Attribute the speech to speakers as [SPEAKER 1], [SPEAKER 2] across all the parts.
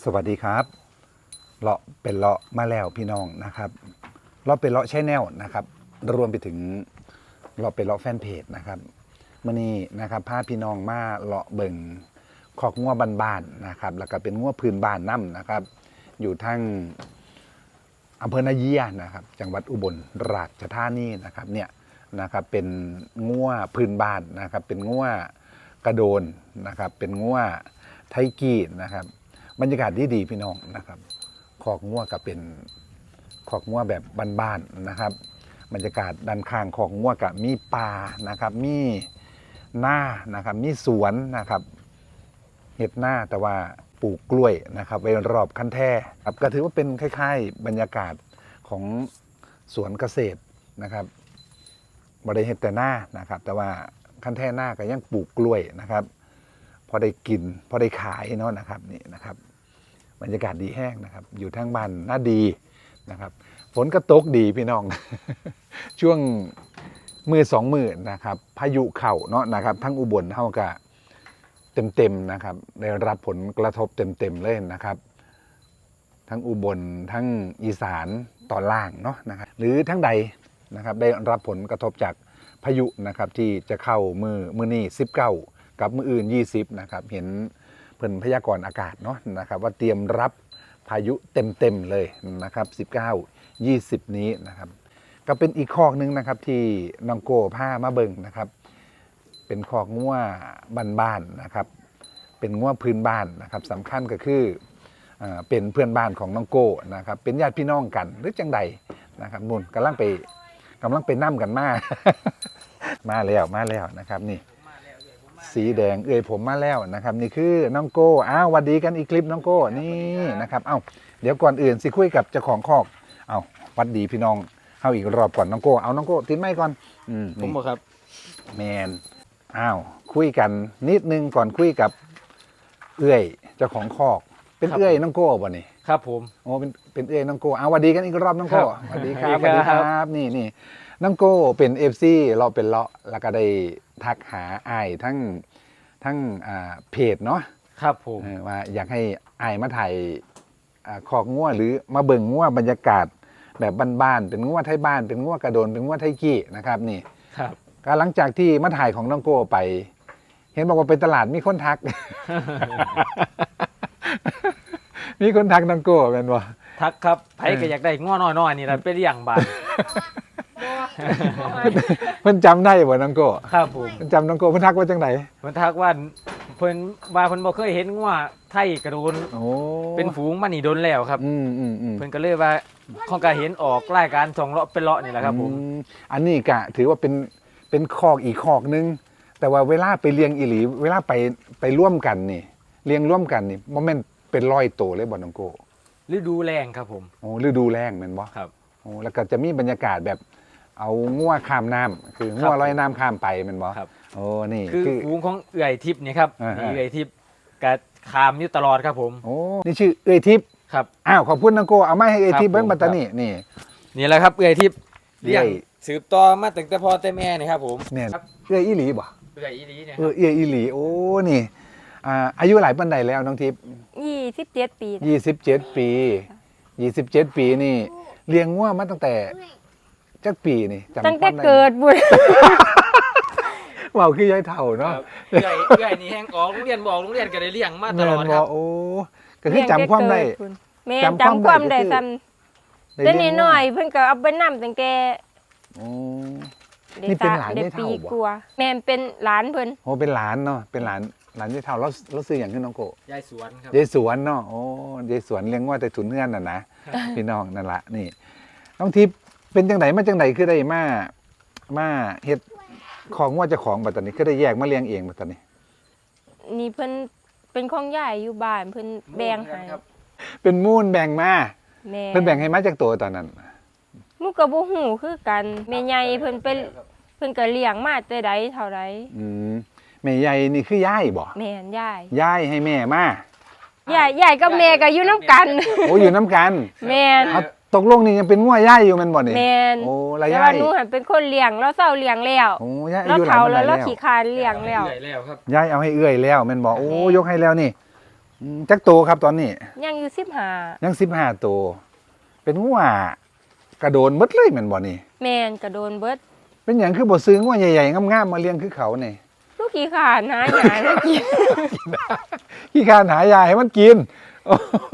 [SPEAKER 1] สวัสดีครับเลาะเป็นเลาะมาแล้วพี่น้องนะครับเลาะเป็นเลาะแชนแนลนะครับรวมไปถึงเลาะเป็นเลาะแฟนเพจนะครับมื่อนี้นะครับพาพี่น้องมาเลาะเบิ่งคอกงัวบ้านๆนะครับแล้วก็เป็นงัวพื้นบ้านน้ำนะครับอยู่ทั้งอำเภอนาเยียนะครับจังหวัดอุบลราชธานีนะครับเนี่ยนะครับเป็นงัวพื้นบ้านนะครับเป็นงัวกระโดนนะครับเป็นงัวไทกี้นะครับบรรยากาศดีพี่น้องนะครับคอกงัวก็เป็นคอกงัวแบบบ้านๆนะครับบรรยากาศด้านข้างคอกงัวก็มีป่านะครับมีหน้านะครับมีสวนนะครับเห็ดหน้าแต่ว่าปลูกกล้วยนะครับไว้รอบคันแท่ครับก็ถือว่าเป็นคล้ายๆบรรยากาศของสวนเกษตรนะครับบริเห็ดแต่หน้านะครับแต่ว่าคันแท่หน้าก็ยังปลูกกล้วยนะครับพอได้กินพอได้ขายเนาะนะครับนี่นะครับบรรยากาศดีแห้งนะครับอยู่ทั้งบ้านน่าดีนะครับฝนก็ตกดีพี่น้อง ช่วงมือสองมือนะครับพายุเข่าเนาะนะครับทั้งอุบลเท่ากับเต็มนะครับได้รับผลกระทบเต็มเลยนะครับทั้งอุบลทั้งอีสานตอนล่างเนาะนะครับหรือทั้งใดนะครับได้รับผลกระทบจากพายุนะครับที่จะเข้ามือนี้19กับมืออื่น20นะครับเห็นเพิ่นพยากรณ์อากาศเนาะนะครับว่าเตรียมรับพายุเต็มเลยนะครับ19 20นี้นะครับก็เป็นอีกคอกนึงนะครับที่น้องโก้ผ้ามาเบิ่งนะครับเป็นคอกงัวบ้านๆนะครับเป็นงัวพื้นบ้านนะครับสำคัญก็คือเป็นเพื่อนบ้านของน้องโก้นะครับเป็นญาติพี่น้องกันหรือจังใดนะครับนุ่นกำลังไปนั่มกันมา มาแล้วนะครับนี่สีแดงผมมาแล้วนะครับนี่คือน้องโก้หวัดดีกันอีกคลิปน้องโก้นี่นะครับเดี๋ยวก่อนอื่นสิคุยกับเจ้าของคอกหวัดดีพี่น้องเข้าอีกรอบก่อนน้องโก้น้องโก้ติดไมค์ก่อน
[SPEAKER 2] ผมบอกครับ
[SPEAKER 1] แมนคุยกันนิดนึงก่อนคุยกับเเจ้าของคอกเป็นน้องโก้บ่นี่
[SPEAKER 2] ครับผม
[SPEAKER 1] โอ้เป็นน้องโก้หวัดดีกันอีกรอบน้องโก้สวัสดีครับนี่น้องโก้เป็น FC เราเป็นเลาะแล้วก็ได้ทักหาอ้ายทั้งเพจเนาะ
[SPEAKER 2] ครับผม
[SPEAKER 1] ว่าอยากให้อ้ายมาถ่ายคอกงัวหรือมาเบิ่งงัวบรรยากาศแบบบ้านๆเป็นงัวไทยบ้านเป็นงัวกระโดนเป็นงัวไทกี้นะครับนี่
[SPEAKER 2] ครับ
[SPEAKER 1] ก็หลังจากที่มาถ่ายของน้องโก้ไปเห็นบอกว่าเป็นตลาดมีคนทัก มีคนทักน้องโก้เป็นว่า
[SPEAKER 2] ทักครับไผก็อยากได้ง้อน้อยๆนี่แหละเป็นอย่างบ้าน
[SPEAKER 1] เพิ่นจำได้บ่น้องโก้
[SPEAKER 2] ครับผม
[SPEAKER 1] เพิ่นจำน้องโก้เพิ่นทักว่าจังได
[SPEAKER 2] เพิ่นทักว่าเพิ่นบ่เคยเห็นง้อไทยกระโดนเป็นฝูงมานี่โดนแล้วครับเพิ่นก็เลยว่าของการเห็นออกรายการส่องเลาะเป็นเลาะนี่แหละครับผม
[SPEAKER 1] อันนี้ก็ถือว่าเป็นคอกอีกคอกนึงแต่ว่าเวลาไปเลี้ยงอีหลีเวลาไปร่วมกันนี่เลี้ยงร่วมกันนี่บ่แม่นเป็น100ตัวเลยบ่น้องโก้
[SPEAKER 2] ฤดูแล้งครับผม
[SPEAKER 1] ฤดูแล้งแม่นบ่
[SPEAKER 2] ครับ
[SPEAKER 1] แล้วก็จะมีบรรยากาศแบบเอางัวข้ามน้ำคืองัวลอยน้ำข้ามไปแม่นบ่
[SPEAKER 2] ครับ
[SPEAKER 1] นี่
[SPEAKER 2] คือฝูงของเอื่อยทิพย์นี่ครับนี่เอื่อยทิพย์ก็ข้ามอยู่ตลอดครับผม
[SPEAKER 1] นี่ชื่อเอื่อยทิพย์
[SPEAKER 2] ครับ
[SPEAKER 1] ขอบคุณน้องโก้เอาไม้ให้เอื่อยทิพย์เบิ่งบัดตานี่
[SPEAKER 2] แหละครับเอื่อยทิพย์เลี้ยงสืบต่อมาตั้งแต่พ่อแต่แม่นี่ครับผม
[SPEAKER 1] เนี่ยเอื่อยอีหลีบ่
[SPEAKER 2] เอื่อยอีหลีเนี่ย
[SPEAKER 1] เอื่อยอีหลีนี่อายุหลายปานใดแล้วน้องทิพย์
[SPEAKER 3] 27 ปี
[SPEAKER 1] 27 ปีนี่เลี้ยงงัวมาตั้งแต่จักปีนี่
[SPEAKER 3] จำตั้งแต่เกิดบุญ
[SPEAKER 1] ว้าวคือยายเฒ่าเนาะ
[SPEAKER 2] เอื่อยนี่แห้งออกโรงเรียนบอกโรงเรียนก็ได้เลี้ยงมาตลอดครับ
[SPEAKER 1] ก็คือจำความได้
[SPEAKER 3] จำความได้ซ้ำแต่นิดหน่อยเพิ่นก็เอาไปนำตั้งแต่
[SPEAKER 1] นี่เป็นหลานยายเฒ่าบ่
[SPEAKER 3] แม่เป็นหลานเพิ่น
[SPEAKER 1] เป็นหลานเนาะเป็นหลานยายเฒ่าแล้วซื้ออย่างขึ้นน้องโก
[SPEAKER 2] ยายสวนครับ
[SPEAKER 1] ยายสวนเนาะยายสวนเลี้ยงว่าแต่ถุนเงื่อนน่ะนะพี่น้องนั่นละนี่น้องทิพย์เป็นจังไหนมาจังไหนคือได้มาเฮ็ดของว่าเจ้าของบัดตอนนี้คือได้แยกมาเลี้ยงเองบัดตอนนี้
[SPEAKER 3] นี่เพิ่นเป็นของยายอยู่บ้านเพิ่นแบ่งให้
[SPEAKER 1] เป็นมูลแบ่งมาเพิ่นแบ่งให้มาจากตัวตอนนั้น
[SPEAKER 3] มูก็บ่ฮู้คือกันแม่ใหญ่เพิ่นก็เลี้ยงมาแต่ใดเท่าใด
[SPEAKER 1] แม่ใหญ่นี่คือยายบ่
[SPEAKER 3] แม่น
[SPEAKER 1] ยายให้แม่ม
[SPEAKER 3] ายายกับแม่ก็อยู่นำกัน
[SPEAKER 1] อยู่นำกัน
[SPEAKER 3] แม่น
[SPEAKER 1] ตกลงนี่ยังเป็นงัวยายอยู่แม่นบ่นี่
[SPEAKER 3] แม่น
[SPEAKER 1] แล้วยาย
[SPEAKER 3] แต่ว่าหนูหันเป็นคนเลี้ยงแล้วเซาเลี้ยงแล้วแล้วเฒ่าแล้วขี้คร้านเลี้ยงแล้ว
[SPEAKER 1] ยายเอาให้เอื้อยแล้วแม่นบ่ยกให้แล้วนี่จักโตครับตอนนี้
[SPEAKER 3] ยังอยู่15
[SPEAKER 1] ยัง15โตเป็นงัวกระโดนหมดเลยแม่นบ่นี่
[SPEAKER 3] แม่นก็โดนเบิด
[SPEAKER 1] เป็นหยังคือบ่ซื้องัวใหญ่ๆงามๆมาเลี้ยงคือเขานี่
[SPEAKER 3] ลูกขี้ขลาดหาหยาแล้วกิน
[SPEAKER 1] ขี้คร้านหายาให้มันกินโอ้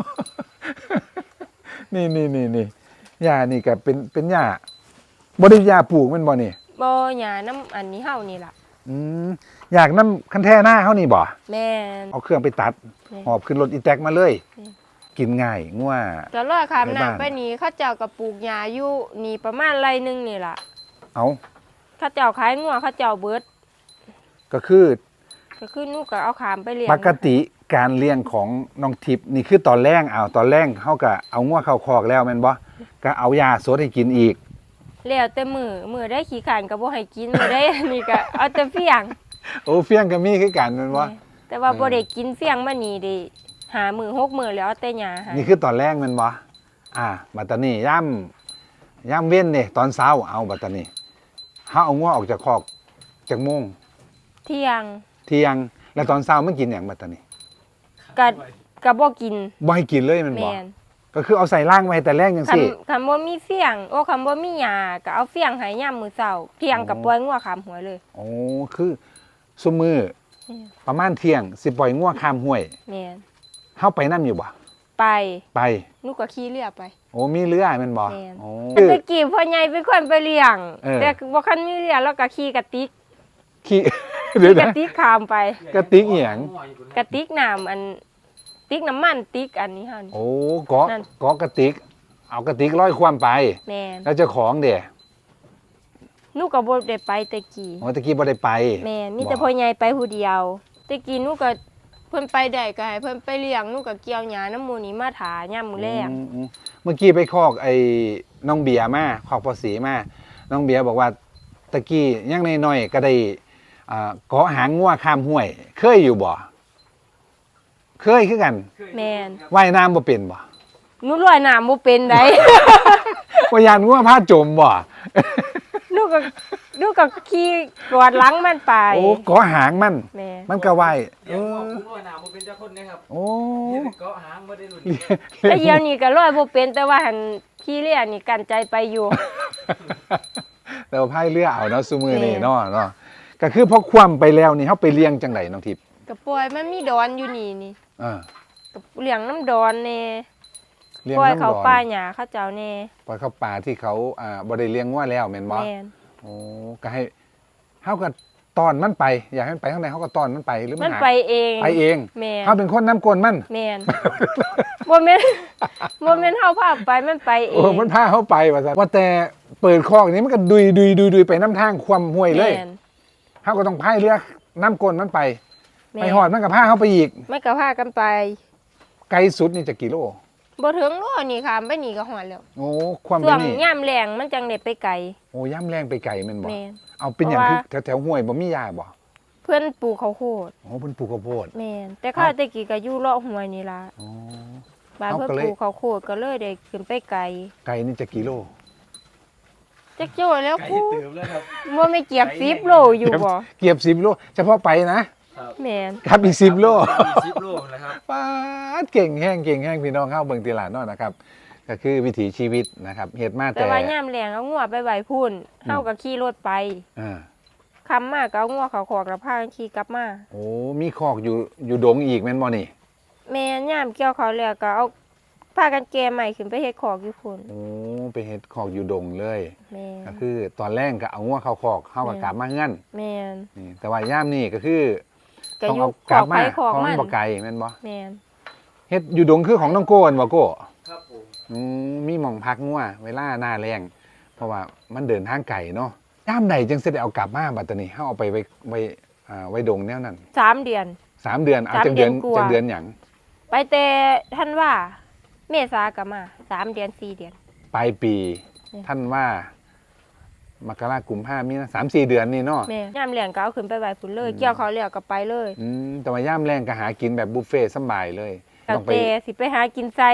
[SPEAKER 1] นี่ยานี่ก็เป็นยาบ่ได้ยาปลูกแม่นบ่นี่
[SPEAKER 3] บ่หยาน้ำอันนี้เฮานี่ล่ะ
[SPEAKER 1] อยากนำคันแท้หน้าเฮานี่บ่
[SPEAKER 3] แม่น
[SPEAKER 1] เอาเครื่องไปตัด
[SPEAKER 3] แม่น
[SPEAKER 1] หอบขึ้นรถอีแตกมาเลย กินง่ายงัว
[SPEAKER 3] ก็รอข้าม
[SPEAKER 1] ในบ้าน
[SPEAKER 3] น้ำไปนี่เขาเจ้าก็ปลูกหญ้าอยู่นี่ประมาณไร่หนึงนี่ล่ะ
[SPEAKER 1] เอา
[SPEAKER 3] เขาเจ้าขายงัวเขาเจ้าเบิด
[SPEAKER 1] ก็คือ
[SPEAKER 3] ก็คือหนูก็เอาขามไปเลี้ยง
[SPEAKER 1] ปกติการเลี้ยงของน้องทิพย์นี่คือตอนแรกตอนแรกเฮาก็เอางัวเข้าคอกแล้วแม่นบ่ก็เอายาสดให้กินอีก
[SPEAKER 3] แล้วแต่มือได้ขี้ขานก็บ่ให้กินมื้อได้ อันนี้ก็เอาแต่เฟียง
[SPEAKER 1] โอ้เฟี้ยงก็มีคือกันแม่นบ่
[SPEAKER 3] แต่ว่าบ่ได้กินเฟียงมานี่ได้หามื้อ6มื้อแล้วเอาแต่หญ้าให้
[SPEAKER 1] นี่คือตอนแรกแม่นบ่บัดตานี้ย่ำเว้นนี่ตอนเช้าเอาบัดตานี้เฮาเอางัวออกจากคอกจักโมง
[SPEAKER 3] เที่ยง
[SPEAKER 1] เที่ยงแล้วตอนเช้ามันกินหยังบัดตานี้
[SPEAKER 3] ก็บ่กิน
[SPEAKER 1] บ่ให้กินเลยแม่นบ่
[SPEAKER 3] แม่น
[SPEAKER 1] ก็คือเอาใส่ล่างไว้แต่แรกจังซี่
[SPEAKER 3] คันบ่มีเฟียงคันบ่มีหญ้าก็เอาเฟียงให้ยามมื้อเช้าเที่ยงก็ปล่อยงัวขามหัวเลย
[SPEAKER 1] โอ้คือซุมื้อประมาณเที่ยงสิปล่อยงัวข้ามห้วย
[SPEAKER 3] แม่น
[SPEAKER 1] เฮาไปนํอยู่บ่
[SPEAKER 3] ไป
[SPEAKER 1] ไป
[SPEAKER 3] หนูก็ขี่เรือไป
[SPEAKER 1] โอ้มีเรือแม่นบ่
[SPEAKER 3] แม่น
[SPEAKER 1] โอ้
[SPEAKER 3] ตะกี้พ่อใหญ่เป็นคนไปเลี้ยง แต่บ่คันมีเรือแล้วก็ขี่กระติก
[SPEAKER 1] ขี้ เดี๋ยว
[SPEAKER 3] กระ
[SPEAKER 1] นะ
[SPEAKER 3] ติกข้ามไป
[SPEAKER 1] กระติกอีหยัง
[SPEAKER 3] กระติกน้ำอันติ๊กน้ำมันติ๊กอันนี้หั่น
[SPEAKER 1] โอ้เกาะ
[SPEAKER 3] นั่น
[SPEAKER 1] เกาะกระติก เอากระติกร้อยความไป
[SPEAKER 3] แม่น
[SPEAKER 1] แล้วเจ้าของเด้
[SPEAKER 3] หนูก็บ่ได้ไปตะกี้
[SPEAKER 1] โอ้ตะกี้บ่ได้ไป
[SPEAKER 3] แม่นมีแต่พ่อใหญ่ไปผู้เดียวตะกี้หนูก็เพิ่นไปได้ก็ให้เพิ่นไปเลี้ยงหนูก็เกี่ยวหญ้าน้ำหมูนี่มาถายามมื้อแลง
[SPEAKER 1] เมื่อกี้ไปคอกไอ้น้องเบียร์มาคอกภาษีมาน้องเบียร์บอกว่าตะกี้ยังน้อยๆก็ได้เกาะหางงัวข้ามห้วย เคยอยู่บ่เคยคือกัน
[SPEAKER 3] แม่น
[SPEAKER 1] ว่ายน้ำบ่เป็นบ่
[SPEAKER 3] หนูลอยน้ำบ่เป็นได
[SPEAKER 1] ว่ายานงัวพาจมบ่
[SPEAKER 3] หนูก็ขี่กอดหลังมันไป
[SPEAKER 1] โอ้เกาะหางมัน
[SPEAKER 3] แม่
[SPEAKER 1] มันก็ว่าย
[SPEAKER 2] เดี๋ยวผมว่าหนาผมเป็นเจ้าคนนะครับ
[SPEAKER 1] โอ้
[SPEAKER 2] นี่เกาะหางบ่ได้หลุด
[SPEAKER 3] แต่เดี๋ยวนี้ก็ลอยบ่เป็นแต่ว่าหันขี่เรือนี่กันใจไปอยู่
[SPEAKER 1] เราพายเรือเอาเนาะซุมื้อนี้
[SPEAKER 3] แม่
[SPEAKER 1] เนาะก็คือพอคว่ำไปแล้วนี่เฮาไปเลี้ยงจังไดน้องทิพย์
[SPEAKER 3] ก็ปล่อยมันมีดอนอยู่นี่
[SPEAKER 1] เออ
[SPEAKER 3] ก็เลี้ยงน้ำดอนแน่
[SPEAKER 1] เลี้ยง
[SPEAKER 3] ปล่อย
[SPEAKER 1] น้ำ
[SPEAKER 3] เขา
[SPEAKER 1] ดอน
[SPEAKER 3] ป่าหญ้าเขาเจ้าแน่
[SPEAKER 1] ปล่อยเข้าป่าที่เขาบ่ได้เลี้ยงงัวแล้วแม่นบ่
[SPEAKER 3] แม่น
[SPEAKER 1] โอ้ก็ให้เฮาก็ต้อนมันไป อยากให้มันไปข้างในเฮาก็ต้อนมันไปหรือ
[SPEAKER 3] มัน
[SPEAKER 1] หา
[SPEAKER 3] ไปเอง
[SPEAKER 1] ไปเอง
[SPEAKER 3] แม่น
[SPEAKER 1] เฮาเป็นคนน้ำกลนมัน
[SPEAKER 3] แม่น บ่แม่น บ่แม่นเฮาพาไปมันไปเอ
[SPEAKER 1] โอ้
[SPEAKER 3] ง
[SPEAKER 1] มันพาเฮาไปว่าซั่นว่าแต่เปิดคอกนี้มันก็ดุยไปน้ำทางความห้วยเลย
[SPEAKER 3] แม่น
[SPEAKER 1] เฮาก็ต้องพายเรือน้ำกลนมันไป
[SPEAKER 3] แม่
[SPEAKER 1] ไปหอดมันก็พาเฮาไปอีก
[SPEAKER 3] มันก็พากันไป
[SPEAKER 1] ไกลสุดนี่จะกี่โล
[SPEAKER 3] บ่ถึงโลนี่ค่ะไปนี่ก็ฮอดแล้ว
[SPEAKER 1] โอ้ความ
[SPEAKER 3] ช่
[SPEAKER 1] เป็
[SPEAKER 3] วน ง
[SPEAKER 1] นี่
[SPEAKER 3] ยามแล้งมันจังได้ไปไกล
[SPEAKER 1] โอ้ย่ำแรงไปไกลแม่นบ่
[SPEAKER 3] แม่น
[SPEAKER 1] เอาเป็นอย่าง
[SPEAKER 3] เพ
[SPEAKER 1] คื
[SPEAKER 3] ราะ
[SPEAKER 1] อ
[SPEAKER 3] ว่า
[SPEAKER 1] แถวห้วยบ่มียาบ่
[SPEAKER 3] เพิ่นปลูกข้าวโพด
[SPEAKER 1] โอ้เพิ่นปลูกข้าวโพด
[SPEAKER 3] แม่นแต่ข้าวแตะกี้ก็อยู่เลาะห้วยนี่ล่ะ
[SPEAKER 1] อ๋อ
[SPEAKER 3] บ้าน
[SPEAKER 1] เอา
[SPEAKER 3] เพิ่น
[SPEAKER 1] ก็เลย
[SPEAKER 3] ปลูกข้าวโพดก็เลยได้ขึ้นไปไกล
[SPEAKER 1] ไกลนี่จะกี่โล
[SPEAKER 3] จักโจ้แล้ว
[SPEAKER 2] ไก่
[SPEAKER 3] กู
[SPEAKER 2] เติมแล้วครับ
[SPEAKER 3] บ่ไม่เกียบ10โลอยู่บ่
[SPEAKER 1] เกือบ10โลเฉพาะไปนะ
[SPEAKER 2] ครับ
[SPEAKER 3] แม่น
[SPEAKER 1] ครับอีก10โล
[SPEAKER 2] 10 โลนะครับ
[SPEAKER 1] ป้าดเก่งแห้งพี่น้องเข้าเบิ่งตีหลานเนาะนะครับ ก็คือวิถีชีวิตนะครับเฮ็ดมา
[SPEAKER 3] แต่
[SPEAKER 1] แต่
[SPEAKER 3] ว่ายามแล้งเอางัวไปไว้พุ่นเฮาก็ขี่รถไป
[SPEAKER 1] อ่า
[SPEAKER 3] ค่ำมาก็เอางัวเข้าคอกแล้วพากันขี่กลับมา
[SPEAKER 1] โอ้มีคอกอยู่ดงอีกแม่นบ่นี่
[SPEAKER 3] แม่ยามเกี่ยวเขาวแล้วก็เอาพากันแก่ใหม่ขึ้นไปเฮ็ดคอกอยู่พุ่น
[SPEAKER 1] โอ้ไปเฮ็ดคอกอยู่ดงเลย
[SPEAKER 3] แม่
[SPEAKER 1] ก็คือตอนแรกก็เอางัวเข้าคอกเฮาก็กลับมาเฮือน
[SPEAKER 3] แม่น
[SPEAKER 1] นี่แต่ว่าย่ามนี่ก็คือ
[SPEAKER 3] ก็
[SPEAKER 1] ต้อง
[SPEAKER 3] อยู่
[SPEAKER 1] เอา
[SPEAKER 3] ค
[SPEAKER 1] กลั
[SPEAKER 3] อบ ก
[SPEAKER 1] มา
[SPEAKER 3] ไปคอก
[SPEAKER 1] เพราะ
[SPEAKER 3] มั
[SPEAKER 1] มัน นบ่ไกลแม่นบ่
[SPEAKER 3] แม่น
[SPEAKER 1] เฮ็ดอยู่ดงคือของน้องโก้นบ่โก้
[SPEAKER 2] ครับผม
[SPEAKER 1] มีหม่องพักงัวเวลาหน้าแรงเพราะว่ามันเดินทางไกลเนาะย่ามใดจึงสิได้เอากลับมาบัดตอนนี้เฮาเอาไปไว้ดงแนวนั้น
[SPEAKER 3] 3 เดือน
[SPEAKER 1] 3 เดือนเอา
[SPEAKER 3] 3
[SPEAKER 1] จังเดือน
[SPEAKER 3] เดือนกว่า
[SPEAKER 1] จังเดือนหยัง
[SPEAKER 3] ไปแต่ท่านว่าเมษาก็มา3 เดือน 4 เดือน
[SPEAKER 1] ปลายปี
[SPEAKER 3] เนี่ย
[SPEAKER 1] ท่านว่ามกราคมกุมภาพันธ์มีนะ3-4 เดือนนี่เนาะ
[SPEAKER 3] แม่ยามแล้งก็เอาขึ้นไปไว้พุ่นเลย เกี่ยวเขาวแล้วก็ไปเลย
[SPEAKER 1] แต่ว่าย่ามแรงก็หากินแบบบุฟเฟ่ต์สำบายเลย
[SPEAKER 3] แต่
[SPEAKER 1] ต้องไป
[SPEAKER 3] แต่สิไปหากินไส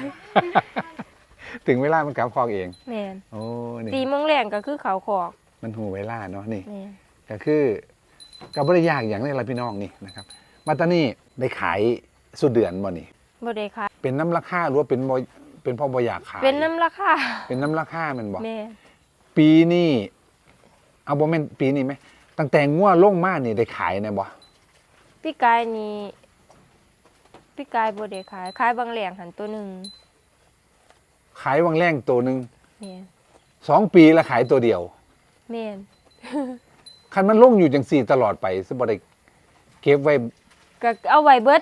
[SPEAKER 1] ถึงเวลามันกลับคอกเอง
[SPEAKER 3] แม่น
[SPEAKER 1] โอ้นี่
[SPEAKER 3] 4 โมงแรงก็คือเขาคอก
[SPEAKER 1] มันหูเวลาเนาะนี่
[SPEAKER 3] แม่น
[SPEAKER 1] ก็คือกับบริยากอย่างนี้ละพี่น้องนี่นะครับมาตอนนี้ได้ขายสุดเดือนบ่นี่
[SPEAKER 3] บ่ได้ขาย
[SPEAKER 1] เป็นน้ำราคาหรือว่าเป็นบ่เป็นพ่อบ่อยากขาย
[SPEAKER 3] เป็นน้ำราคา
[SPEAKER 1] เป็นน้ำราคาแมันบ่
[SPEAKER 3] แม่
[SPEAKER 1] ปีนี้เอาบ่แม่นปีนี้ไหมตั้งแต่งัวลงมานี่ได้ขายแน่บ่
[SPEAKER 3] พี่กายนี่พี่กายบ่ได้ขายบางแหล่งหันตัวหนึง
[SPEAKER 1] ขายวังแรงตัวหนึง
[SPEAKER 3] แม่
[SPEAKER 1] 2 ปีแล้วขายตัวเดียว
[SPEAKER 3] แม่น
[SPEAKER 1] คันมันลงอยู่จังซี่ตลอดไปสิบ่ได้เก็บไว้
[SPEAKER 3] ก็เอาไว้เบิด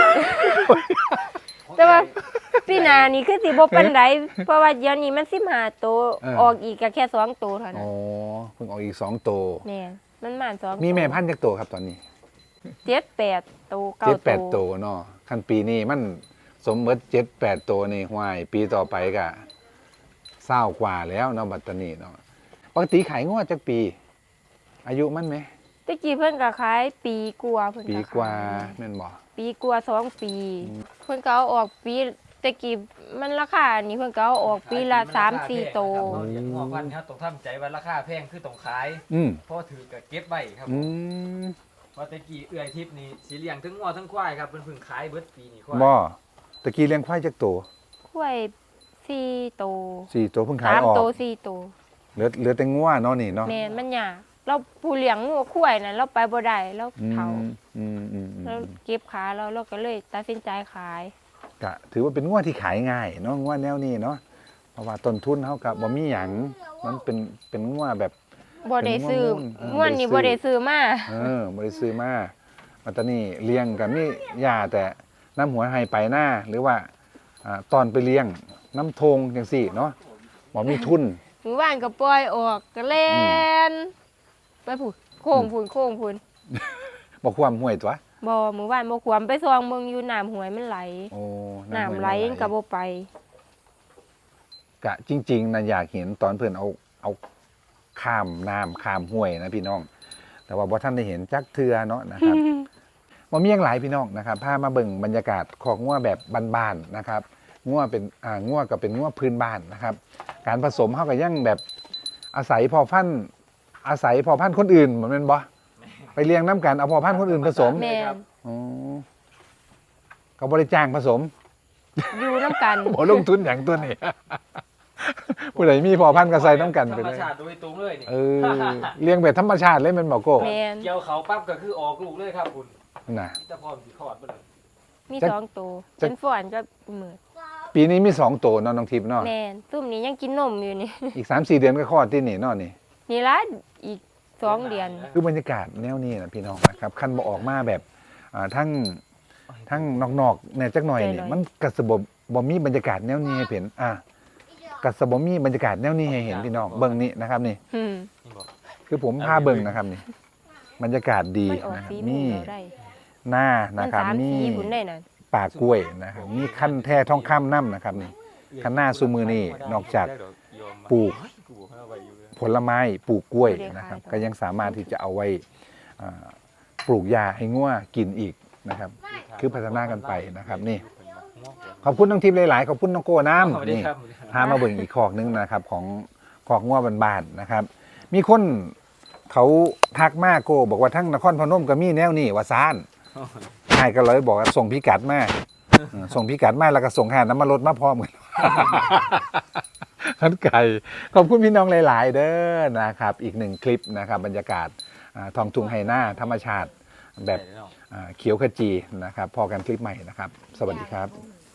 [SPEAKER 3] แต่ว่าพี่นานี่คือสิบ่ปานใดเพราะว่าเดี๋ยวนี้มัน15ตัวออกอีกก็แค่2ตัวเท่านั้
[SPEAKER 1] อ๋
[SPEAKER 3] น
[SPEAKER 1] อเพิ่งออกอีก2ตัว
[SPEAKER 3] แม่นมันหมาน2
[SPEAKER 1] มีแม่พันธุ์จักตัวครับตอนนี้
[SPEAKER 3] 7-8ตัว9
[SPEAKER 1] 7-8ตัวเนาะคันปีนี้มันสมเบิด7-8ตัวนี่ห้วยปีต่อไปก็20กว่าแล้วเนาะบัดตรนี้เนาะปกติขายงวดจักปี อายุมันไหม
[SPEAKER 3] ตะกี้เพิ่นก็ขายปีกว่าเพิ่น
[SPEAKER 1] ปี
[SPEAKER 3] ก็
[SPEAKER 1] กว่า
[SPEAKER 3] ขาย
[SPEAKER 1] แม่นบ่
[SPEAKER 3] ปีกว่า2 ปี เพิ่นก็เอาออกปีตะกี้มันราคานี่เพิ่นก็เอาออกปีละ3-4โตว
[SPEAKER 2] เราอย่างงอพันธุ์ครับต้องทำใจว่าราคาแพงคือต้องขาย
[SPEAKER 1] อืม
[SPEAKER 2] เพราะถือกับเก็บไว้ครับ
[SPEAKER 1] อืม
[SPEAKER 2] เพราะตะกี้เอื้อยทิพย์นี่สีเลี้ยงทั้งงอทั้งควายครับเพิ่นเพิ่งขายเบิดปีนี่ควาย
[SPEAKER 1] บ่ตะกี้เลี้ยงควายจักตัว
[SPEAKER 3] กล้วย4โตว
[SPEAKER 1] 4ตัวเพิ่งขายออก
[SPEAKER 3] 3โตว4โตว
[SPEAKER 1] เหลือแต่งัวเนาะนี่เนาะ
[SPEAKER 3] แม่นมันยากเราผู้เลี้ยงงัวควายน่ะเราไปบ่ได้เรา
[SPEAKER 1] อืม
[SPEAKER 3] เฒ่า
[SPEAKER 1] อืมอืม
[SPEAKER 3] เราเก็บขาเราก็เลยตัดสินใจขาย
[SPEAKER 1] ก็ถือว่าเป็นงัวที่ขายง่ายเนาะงัวแนวนี้เนาะเพราะว่าต้นทุนเฮาก็บ่มีหยังมันเป็นงัวแบบ
[SPEAKER 3] บ่ได้ซื้อ
[SPEAKER 1] เป็น
[SPEAKER 3] ม่วนนี่บ่ได้ซื้อมา
[SPEAKER 1] บ่ได้ซื้อมาปัตตานีเลี้ยงก็มีหญ้าแต่น้ำหัวให้ไปหน้าหรือว่าตอนไปเลี้ยงน้ำทงจังซี่เนาะบ่มีทุน
[SPEAKER 3] หมู่บ้านก็ปล่อยออกก็เล่นไปพูนโค้งพูน
[SPEAKER 1] บ่ความห่วยตัว
[SPEAKER 3] บ่หมู่บ้านบ่ขวมไปซองเบิ่งอยู่น้ำห้วยมันไหล
[SPEAKER 1] โอ้
[SPEAKER 3] น้ำไหลก็บ่ไป
[SPEAKER 1] กะจริงๆนะอยากเห็นตอนเพิ่นเอาข้ามน้ำข้ามห้วยนะพี่น้อง แต่ว่าบ่ท่านได้เห็นจักเทือเนาะนะครับ บ่มีหยังหลายพี่น้องนะครับพามาเบิ่งบรรยากาศของงัวแบบบ้านๆนะครับงัวเป็นงัวก็เป็นงัวพื้นบ้านนะครับ การผสมเฮาก็ยังแบบอาศัยพอพันธุ์คนอื่นเหมือนแม่นบ่ไปเลี้ยงน้ำกันเอาพอพันธุ์คนอื่นผสม
[SPEAKER 3] แม่น
[SPEAKER 1] อ๋อก็บ่ได้จ้างผสม
[SPEAKER 3] อยู่น้ำกัน
[SPEAKER 1] บ่ลงทุนหยังตัวนี้ ผู้ใดมีพอพันธุ์ก็ใส่น้ำกันไป
[SPEAKER 2] ธรร
[SPEAKER 1] เล
[SPEAKER 2] ม
[SPEAKER 1] ย
[SPEAKER 2] ชาติโดยตรงเลยนี่
[SPEAKER 1] เลี้ยงแบบธรรมชาติเลยแม่นบ่โก้
[SPEAKER 3] แม่น
[SPEAKER 2] เกี่ยวเขาปั๊บก็คือออกลูกเลยครับคุณ
[SPEAKER 1] น่ะ
[SPEAKER 2] จะพร้อมสิคลอดเบ่เลย
[SPEAKER 3] มี
[SPEAKER 1] จัก
[SPEAKER 3] 2ตัว
[SPEAKER 1] จัก
[SPEAKER 3] เป็นฝ่อนก็หมื่น
[SPEAKER 1] ปีนี้มี2ตัวเนาะน้องทิพย์เนาะ
[SPEAKER 3] แม่นตุ้มนี้ยังกินนมอยู่นี่
[SPEAKER 1] อีก 3-4 เดือนก็คลอดที่นี่เนาะนี่
[SPEAKER 3] นี่ละอีก2 เดือน
[SPEAKER 1] คือบรรยากาศแนวนี้นะพี่น้องนะครับคันบ่ออกมาแบบทั้งนอกๆเนี่ยจักหน่อยนี่มันกระสบ่มีบรรยากาศแนวนี้ให้เห็นกระสบ่มีบรรยากาศแนวนี้ให้เห็นพี่น้องเบิ่งนี่นะครับนี่
[SPEAKER 3] อืม
[SPEAKER 2] นี่บอก
[SPEAKER 1] คือผมพาเบิ่งนะครับนี่บรรยากาศดี
[SPEAKER 3] มันออก
[SPEAKER 1] นะครับ
[SPEAKER 3] สี
[SPEAKER 1] มี
[SPEAKER 3] ม่วงแล้วได้
[SPEAKER 1] หน้า
[SPEAKER 3] มั
[SPEAKER 1] นะ
[SPEAKER 3] น
[SPEAKER 1] ครับ
[SPEAKER 3] 3
[SPEAKER 1] มี
[SPEAKER 3] สีพุ่นได้นั่น
[SPEAKER 1] ป่ากล้วยนะครับมีขั้นแท้ทองคำน้ำนะครับนี่ ข้างหน้าซุมือนี่นอกจากปลูก ผลไม้ปลูกกล้วยนะครับ ก็ยังสามารถที่จะเอาไว้ปลูกยาให้งัวกินอีกนะครับ คือพัฒนากันไปนะครับนี่ ขอบคุณน้องทิพย์หลายๆขอบคุณน้องโก้น้ำนี่พามาเบิ่งอีกคอกนึงนะครับของคอกงัวบ้านๆนะครับ มีคนเขาทักมาโก้บอกว่าทั้งนครพนมก็มีแนวนี่ว่าซ่านใช่ก็เลยบอกว่าส่งพิกัดมาส่งพิกัดมาแล้วก็ส่งหาน้ำมันรถมาพร้อมกันขันไก่ขอบคุณพี่น้องหลาย ๆ เด้อนะครับ อีกหนึ่งคลิปนะครับบรรยากาศท้องทุ่งไฮหน้าธรรมชาติแบบเขียวขจีนะครับพอกันคลิปใหม่นะครับ สวัสดีครับ